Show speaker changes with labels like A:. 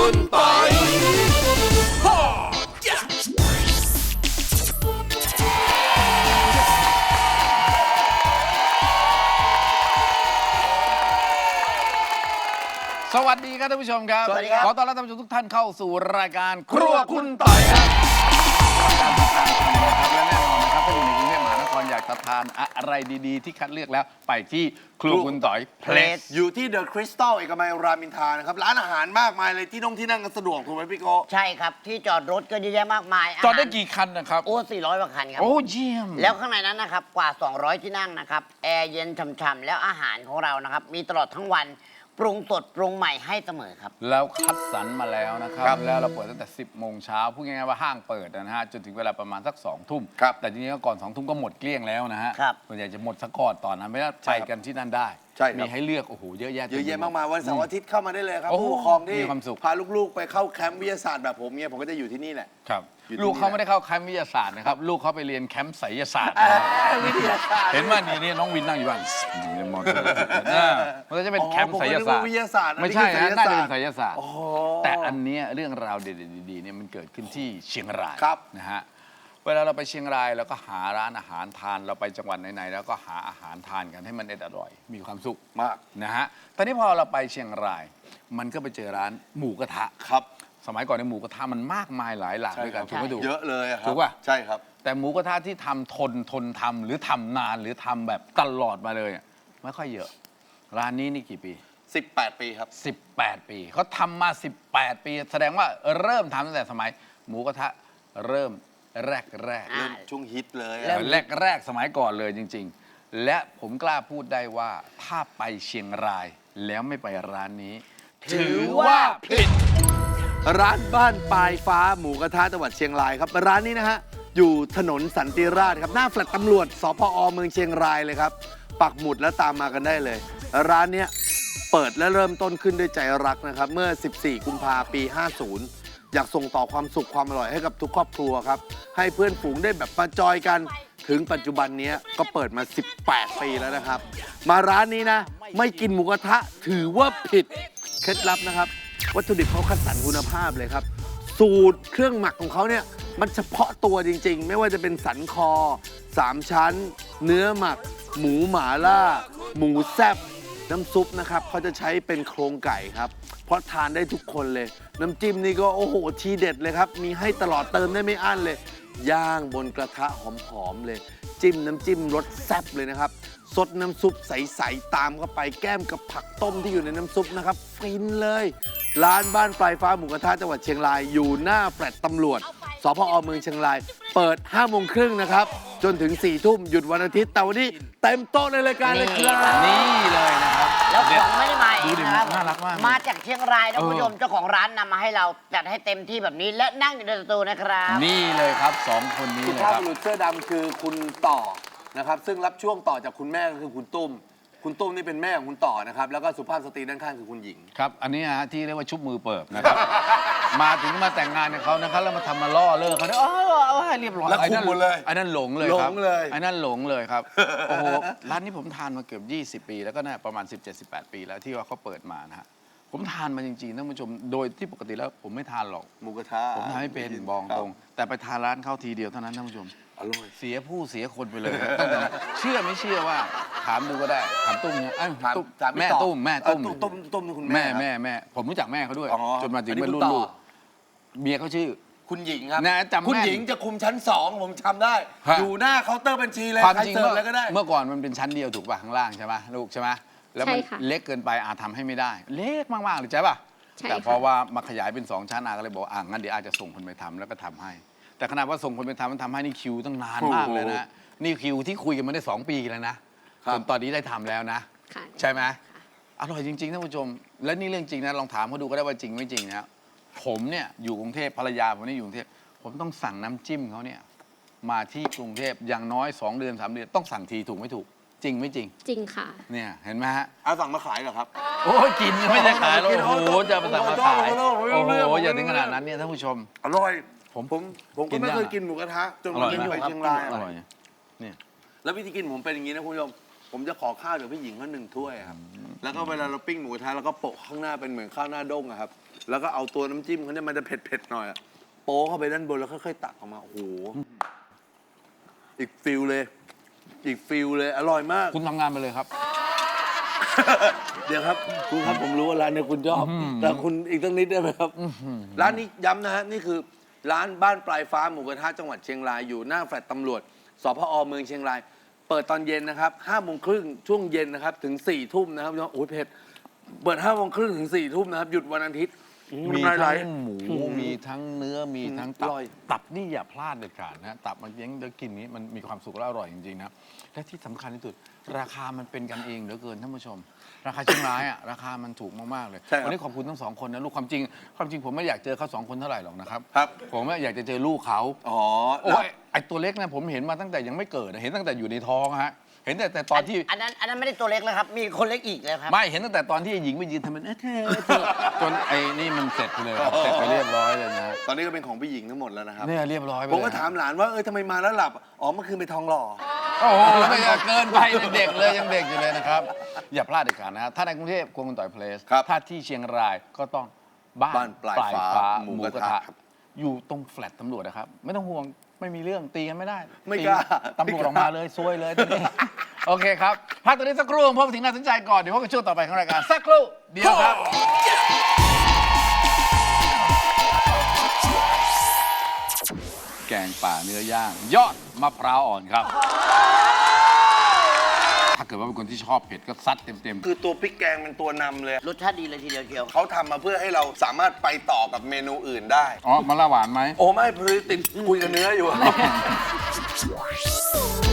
A: คุณปอยสวัสดีครับท่านผู้ชมครับ
B: สวัสดีครับ
A: ขอต้อนรับท่านผู้ชมทุกท่านเข้าสู่รายการครัวคุณต่อยครับการติดตามชมนะครับและแน่นอนนะครับถ้าอยู่ในกรุงเทพมหานครอยากจะทานอะไรดีๆที่คัดเลือกแล้วไปที่ครัวคุณต่อยเพลส
B: อยู่ที่เดอะคริสตัลเอกมัยรามอินทรานะครับร้านอาหารมากมายเลยที่นั่งกันสะดวกถูกไหมพี่โก
C: ใช่ครับ ที่จอดรถก็เยอะแยะมากมาย
A: จอดได้กี่คันนะครับ
C: โอ้400กว่าคันครับ
A: โอ้เยี่ยม
C: แล้วข้างในนั้นนะครับกว่า 200 ที่นั่งนะครับแอร์เย็นฉ่ำๆแล้วอาหารของเรานะครับมีตลอดทั้งวันปรุงสดปรุงใหม่ให้เสมอครับ
A: แล้วคัดสรรมาแล้วนะครับแล้วเราเปิดตั้งแต่ 10 โมงเช้าพูดง่ายๆว่าห้างเปิดนะฮะจนถึงเวลาประมาณสัก 2 ทุ่มแต่จริงๆก็ก่อน 2 ทุ่มก็หมดเกลี้ยงแล้วนะฮะส่วนใหญ่จะหมดซะก่อนตอนนั้นไม่ได้ไปกันที่นั่นได้มีให้เลือกโอ้โหเยอะแยะ
B: มากมายวันเสาร์อาทิตย์เข้ามาได้เลยครับ
A: โอ้โห
B: ผู้ปกครองที่
A: มีความสุข
B: พาลูกๆไปเข้าแคมป์วิทยาศาสตร์แบบผมเนี่ยผมก็จะอยู่ที่นี่แหละ
A: ครับ
B: อยู่ที่
A: ลูกเขา
B: นี่
A: ไม่ได้เข้าแคมป์วิทยาศาสตร์นะครับลูกเขาไปเรียนแคมป์ไสยศาสตร์
B: วิทยาศาสตร์
A: เห็นว่านี่น้องวินนั่งอยู่บ้านมองมันก็จะเป็นแคมป์ไสยศาสตร์
B: วิทยาศาสตร์
A: ไม่ใช่นะน่าจะเป็นไสยศาสตร์
B: โอ้โห
A: แต่อันเนี้ยเรื่องราวเด็ดๆดีๆเนี่ยมันเกิดขึ้นที่เชียงราย
B: ครับ
A: นะฮะเวลาเราไปเชียงรายเราก็หาร้านอาหารทานเราไปจังหวัดไหนๆแล้วก็หาอาหารทานกันให้มันอร่อยมีความสุข
B: มาก
A: นะฮะตอนนี้พอเราไปเชียงราย มันก็ไปเจอร้านหมูกระทะ
B: ครับ
A: สมัยก่อนในยหมูกระทะมันมากมายหลายหลากด้วยกันถูกไหมถูก
B: เยอะเลยอะครับ
A: ถูกป่ะ
B: ใช่ครับ
A: แต่หมูกระทะที่ทำทนทำหรือทำนานหรือทำแบบตลอดมาเลยอะไม่ค่อยเยอะ ร้านนี้นี่กี่ปี
B: 18 ปีครับ
A: 18 ปีเขาทำมา 18 ปี แสดงว่าเริ่มทำตั้งแต่สมัย หมูกระทะเริ่มแรก
B: เริ่มช่วงฮิตเลยอะ
A: แรกสมัยก่อนเลยจริง ๆ และผมกล้าพูดได้ว่าถ้าไปเชียงรายแล้วไม่ไปร้านนี้ ถือว่าผิด
B: ร้านบ้านปลายฟ้าหมูกระทะจังหวัดเชียงรายครับร้านนี้นะฮะอยู่ถนนสันติราษฎร์ครับหน้าแฟลตตำรวจสพอเมืองเชียงรายเลยครับปักหมุดแล้วตามมากันได้เลย ร้านเนี้ยเปิดและเริ่มต้นขึ้นด้วยใจรักนะครับเมื่อ 14 กุมภาพันธ์ปี 50 อยากส่งต่อความสุขความอร่อยให้กับทุกครอบครัวครับให้เพื่อนฝูงได้แบบมาจอยกันถึงปัจจุบันนี้ก็เปิดมา 18 ปีแล้วนะครับมาร้านนี้นะไม่กินหมูกระทะถือว่าผิดเคล็ดลับนะครับวัตถุดิบเขาคัดสรรคุณภาพเลยครับสูตรเครื่องหมักของเขาเนี่ยมันเฉพาะตัวจริงๆไม่ว่าจะเป็นสันคอ3ชั้นเนื้อหมักหมูหม่าล่าหมูแซ่บน้ำซุปนะครับเขาจะใช้เป็นโครงไก่ครับเพราะทานได้ทุกคนเลยน้ำจิ้มนี่ก็โอ้โหทีเด็ดเลยครับมีให้ตลอดเติมได้ไม่อั้นเลยย่างบนกระทะหอมๆเลยจิ้มน้ำจิ้มรสแซ่บเลยนะครับซดน้ำซุปใสๆตามเข้าไปแก้มกับผักต้มที่อยู่ในน้ำซุปนะครับฟินเลยร้านบ้านปลายฟ้าหมูกระทะจังหวัดเชียงรายอยู่หน้าแฟลตตำรวจสพอเมืองเชียงรายเปิด 5:30 นนะครับจนถึง 4 ทุ่มหยุดวันอาทิตย์แต่วันนี้เต็มโต๊ะในรายการเลยครับ
A: นี่เลยนะครับ
C: แล้วของไม่ได้มาเอ
A: ดู
C: ง
A: ดิ
C: นะครับ
A: น่ารักมาก
C: มาจากเชียงรายนะคุณผู้ชมเจ้าของร้านนำมาให้เราจัดให้เต็มที่แบบนี้และนั่งอยู่ในสตูนะครับ
A: นี่เลยครับสองคนนี้
B: สุ
A: เลย
B: ภาพ
A: ครับ
B: บุรุษเสื้อดำคือคุณต่อนะครับซึ่งรับช่วงต่อจากคุณแม่ก็คือคุณตุ้มนี่เป็นแม่ของคุณต่อนะครับแล้วก็สุภาพสตรีด้านข้างคือคุณหญิง
A: ครับ อันนี้ฮะที่เรียกว่าชุบมือเปิบนะครับ มาถึงมาแต่งงานกับเขานะครับแล้วมาทำมาล่อเลิกเขาเนี่ยเอาให้เรียบร้อย
B: แล้วคุมหมดเลย
A: ไอ้นั่นหลงเลยครับ
B: หลงเลย
A: ไอ้นั่นหลงเลยครับ โอ้โห ร้านนี้ผมทานมาเกือบ20 ปี แล้วก็น่าประมาณ 17-18 ปีแล้วที่ว่าเขาเปิดมานะฮะ ผมทานมาจริงๆท่านผู้ชม โดยที่ปกติแล้วผมไม่ทานหรอก
B: หมูกระทะ
A: ผมทานไม่เป็นบอกตรง แต่ไปทานร้านเขาทีเดียวเท่านั้นท่านผู้ชม
B: อร่อย
A: เสียผู้เสียคนไปเลยตั้งแต่นั้นเชื่อไม่เชื่อว่าถามดูก็ได้ถามตุ้มเนี่ยเอ้ย
B: ถาม
A: ตุ้ม
B: ถามพี่
A: แม่
B: ต่อ
A: ตุ้มแม่ตุ้ม
B: ตุ้มนี่คุณ
A: แม่
B: แม่ครับ
A: แม่ผมรู้จักแม่เขาด้วย
B: อ๋อ
A: จนมาถึง
B: อันนี้
A: เป็น
B: คุณ
A: รุ่น
B: ต่อ
A: ลูกเมียเขาชื่อ
B: คุณหญิงครับ
A: นะจำแม่น
B: คุณหญิงจะคุมชั้น 2 ผมจำได้
A: ฮะ
B: อยู่หน้าเคาน์เตอร์บัญชีเลย
A: ความ
B: ใคร
A: จริง
B: เสิร์ฟอะไรก็ได้
A: เมื่อก่อนมันเป็นชั้นเดียวถูกป่ะข้างล่างใช่ป่ะลูกใช่ไหมแล้วมัน
D: ใช่ค่ะ
A: เล็กเกินไปอาทำให้ไม่ได้ เล็กมากๆเลยใช่ป่ะ
D: ใช่
A: แต่
D: ค่ะ
A: พอว่ามาขยายเป็น2 ชั้นอาก็เลยบอกงั้นเดี๋ยวอาจะส่งคนไปทำแล้วก็ทำให้ แต่ขนาดว่าส่งคนไปทำมันทำให้นี่คิวตั้งนานมากเลยนะนี่คิวที่คุยกันมาได้2 ปีแล้วนะครับ จนตอนนี้ได้ทำแล้วนะ
D: ค่ะ
A: ใช่ไหมอร่อยจริงๆท่านผู้ชม และนี่เรื่องจริงนะลองถามเขาดูก็ได้ว่าจริงไม่จริงนะผมเนี่ยอยู่กรุงเทพภรรยาผมเนี่ยอยู่กรุงเทพผมต้องสั่งน้ำจิ้มเขาเนี่ยมาที่กรุงเทพอย่างน้อย2 เดือน3 เดือนต้องสั่งทีถูกไม่ถูก จริงไม่จริง
D: จริงค่ะ
A: เนี่ยเห็นไหมฮะ
B: เอาสั่งมาขายเหรอครับ
A: โอ้ยกินไม่ได้ขายหรอก
B: กิน
A: โอ้โหจะไปสั่งมาขาย
B: โอ้
A: โอ้
B: โห
A: โหอย่าถึงขนาดนั้นเนี่ยท่านผู้ชม
B: อร่อย
A: ผม
B: ผมก็ไม่เคยกินหมูกระทะจน
A: อร่อย
B: ผม
A: นะ
B: ไปเชียงราย
A: อร่อยเนี่ย
B: แล้ววิธีกินผมเป็นอย่างนี้นะคุณผู้ชมผมจะขอข้าวจากพี่หญิงเขา1 ถ้วยครับแล้วก็เวลาเราปิ้งหมูกระทะแล้วก็โปะข้างหน้าเป็นเหมือนข้าวหน้าด้งอะครับแล้วก็เอาตัวน้ำจิ้มเขาเนี่ยมันจะเผ็ดๆหน่อยอะโป๊เข้าไปด้านบนแล้วค่อยๆตักออกมาโอ้โหอีกฟิลเลยอร่อยมาก
A: คุณทำงานไปเลยครับ
B: เดี๋ยวครับคุณครับผมรู้ว่าร้านเนี่ยคุณชอบแต่คุณอีกตั้งนิดได้ไหมครับร้านนี้ย้ำนะฮะนี่คือร้านบ้านปลายฟ้าหมูกระทะจังหวัดเชียงรายอยู่หน้าแฟลตตำรวจสพอเมืองเชียงรายเปิดตอนเย็นนะครับ5:30ช่วงเย็นนะครับถึง4 ทุ่มนะครับโอ้ยเผ็ดเปิด5:30ถึง4 ทุ่มนะครับหยุดวันอาทิตย์
A: มี
B: น้ำลายไหล
A: ทั้งหมูมีทั้งเนื้อมีทั้งตั
B: อบ ร่อย
A: ตับนี่อย่าพลาดเด็ดขาดนะตับมันเลี้ยงแล้วกินนี้มันมีความสุขและอร่อยจริงๆนะและที่สำคัญที่สุดราคามันเป็นกันเองเหลือเกินท่านผู้ชม ราคาเชียงรายอ่ะราคามันถูกมากๆเลย
B: ใช่ครับ
A: วันนี้ขอบคุณทั้งสองคนนะลูกความจริงผมไม่อยากเจอเขา2 คนเท่าไหร่หรอกนะครับ
B: ครับ
A: ผมอยากจะเจอลูกเขา
B: อ๋อ
A: โอ้ยไอตัวเล็กนะผมเห็นมาตั้งแต่ยังไม่เกิดเห็นตั้งแต่อยู่ในท้องฮะเห็นแต่ตอนที่
C: อันนั้นไม่ได้ตัวเล็กแล้วครับ มีคนเล็กอีกแล้วครับ
A: ไม่เห็นตั้งแต่ตอนที่หญิงไปยืนทำเป็นเธอจนไอ้นี่มันเสร็จไปเลยครับเสร็จไปเรียบร้อยเลยนะ
B: ตอนนี้ก็เป็นของพี่หญิงทั้งหมดแล้วนะครับ
A: เนี่ยเรียบร้อยไป
B: ผม
A: เลย
B: ก็ถามหลานว่าทำไมมาแล้วหลับอ๋อเมื่อคืนไปทองหล่อ
A: โอ้โหไม่อยากเกินไปเนี่ยเด็กเลยยังเด็กอยู่เลยนะครับ อย่าพลาดเด็ดขาดนะถ้าในกรุงเทพครัวคุณต่อยเพลส
B: ครับ
A: ถ้าที่เชียงรายก็ต้องบ้าน
B: บ้านปลายฟ้าหมูกระทะครับ
A: อยู่ตรงแฟลตตำรวจนะครับ ไม่ต้องห่วงไม่มีเรื่องตีกันไม่ได้
B: ไม่กล้า
A: ตีตำรวจออกมาเลยซวยเลยทีนี้ โอเคครับพักตัวนี้สักครู่พบถึงน่าสนใจก่อนเดี๋ยวพบกันช่วงต่อไปของรายการสักครู่เดียวครับ แกงป่าเนื้อย่าง ยอดมะพร้าวอ่อนครับ ถ้าเกิดว่าเป็นคนที่ชอบเผ็ดก็ซัดเต็ม
B: คือตัวพริกแกงเป็นตัวนำเลย
C: รสชาติดีเลยทีเดียวเกียว
B: เขาทำมาเพื่อให้เราสามารถไปต่อกับเมนูอื่นได้
A: ๆ อ๋อมะละหวานไหม
B: โอ้ไม่พอดีติดคุยกับเนื้ออยู่
D: Hãy subscribe cho kênh Ghiền Mì Gõ để không bỏ lỡ